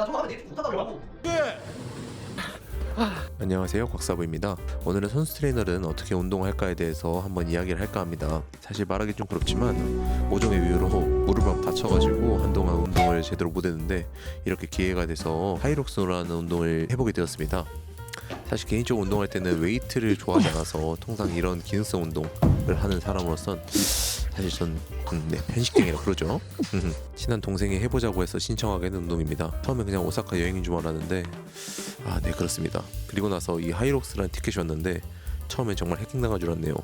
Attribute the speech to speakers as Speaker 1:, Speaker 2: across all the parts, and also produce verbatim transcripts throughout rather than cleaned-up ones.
Speaker 1: 나 저거 하면 내일 못하다고.
Speaker 2: 안녕하세요, 곽사부입니다. 오늘은 선수 트레이너는 어떻게 운동할까에 대해서 한번 이야기를 할까 합니다. 사실 말하기 좀 그렇지만 모종의 이유로 무릎을 다쳐가지고 한동안 운동을 제대로 못했는데 이렇게 기회가 돼서 하이록스라는 운동을 해보게 되었습니다. 사실 개인적으로 운동할 때는 웨이트를 좋아하지 않아서 통상 이런 기능성 운동을 하는 사람으로선 사실 전 음, 네, 편식쟁이라 그러죠. 친한 동생이 해보자고 해서 신청하게 된 운동입니다. 처음에 그냥 오사카 여행인 줄 알았는데 아, 네, 그렇습니다. 그리고 나서 이 하이록스라는 티켓이 왔는데 처음엔 정말 해킹당한 줄 알았네요.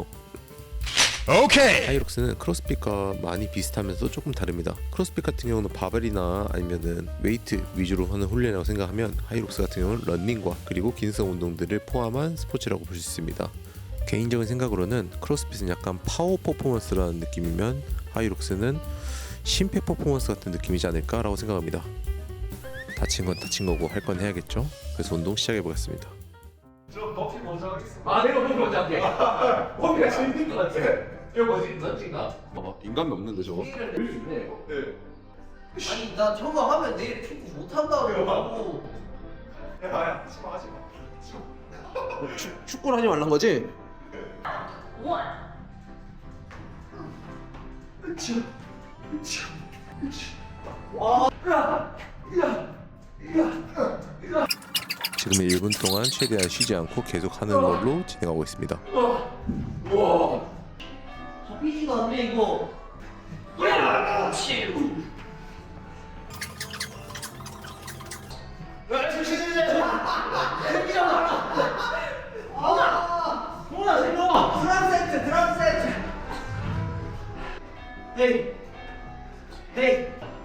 Speaker 2: 오케이. 하이록스는 크로스핏과 많이 비슷하면서도 조금 다릅니다. 크로스핏 같은 경우는 바벨이나 아니면은 웨이트 위주로 하는 훈련이라고 생각하면 하이록스 같은 경우는 러닝과 그리고 기능성 운동들을 포함한 스포츠라고 볼 수 있습니다. 개인적인 생각으로는 크로스핏은 약간 파워 퍼포먼스라는 느낌이면 하이록스는 심폐 퍼포먼스 같은 느낌이지 않을까라고 생각합니다. 다친 건 다친 거고 할 건 해야겠죠? 그래서 운동 시작해 보겠습니다.
Speaker 3: 저 버피 먼저 하겠습니다.
Speaker 1: 아, 내가 버피 먼저 할게. 버피가 재밌는 것 같아. 이거 뭐지? 런칭가?
Speaker 4: 봐봐, 인간미 없는데 저거?
Speaker 1: 내일을 낼수 있네 이거.
Speaker 3: 네.
Speaker 1: 아니 나 저거 하면 내일 축구 못 한다고.
Speaker 3: 야야, 하지 마, 하지 마.
Speaker 5: 축, 축구를 하지 말란 거지?
Speaker 2: 지금 일 분 동안 최대한 쉬지 않고 계속 하는 걸로 진행하고 있습니다.
Speaker 1: 와. 잡히지가 않네 이거. 야, 치. 야, 조심해. 생기랑 하나. 아, 뭐야, 생겨. 드럼 세트, 드럼 세트. 헤이, 헤이,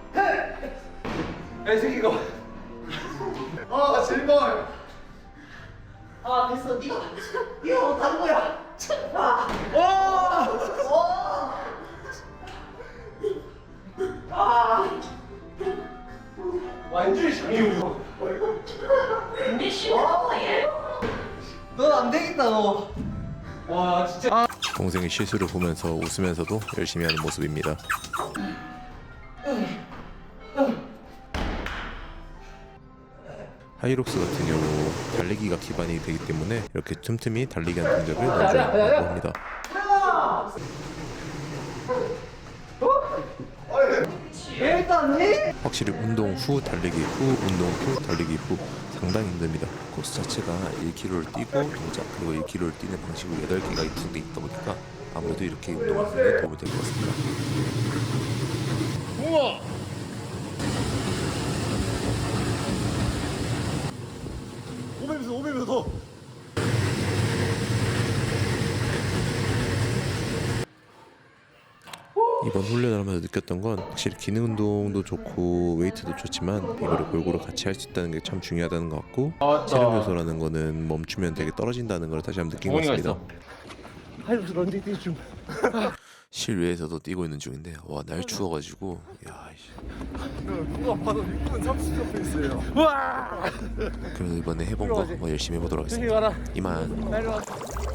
Speaker 1: 헤이.
Speaker 3: 야, 이 새끼 이거. 아, 제발.
Speaker 1: 아, 됐어. 니가 니가 못한 거야. 아, 오, 오. 아,
Speaker 3: 완전히 장애우.
Speaker 1: 넌안 되겠다 너.
Speaker 3: 와, 진짜.
Speaker 2: 동생의 실수를 보면서 웃으면서도 열심히 하는 모습입니다. 하이록스 같은 경우 달리기가 기반이 되기 때문에 이렇게 틈틈이 달리기하는 동작을 넣어준다고 합니다.
Speaker 1: 일단니?
Speaker 2: 확실히 운동 후 달리기 후 운동 후 달리기 후 상당히 힘듭니다. 코스 자체가 일 킬로미터를 뛰고 동작 그리고 일 킬로미터를 뛰는 방식으로 여덟 개가 구성되어 있다 보니까 아무래도 이렇게 운동하는 데 도움이 될 것 같습니다.
Speaker 3: 우와. 오백 미터, 오백 미터 더.
Speaker 2: 이번 훈련을 하면서 느꼈던 건 확실히 기능 운동도 좋고 웨이트도 좋지만 이거를 골고루 같이 할 수 있다는 게 참 중요하다는 것 같고 체력 요소라는 거는 멈추면 되게 떨어진다는 걸 다시 한번 느낀 것 같습니다.
Speaker 3: 하이록스 런닝 뛰 중.
Speaker 2: 실외에서도 뛰고 있는 중인데 와, 날 추워가지고 야, 이씨.
Speaker 3: 누가 봐도 육 분 삼십 초 페이스예요.
Speaker 2: 그래서 이번에 해본 거 한번 열심히 해보도록 하겠습니다. 이만.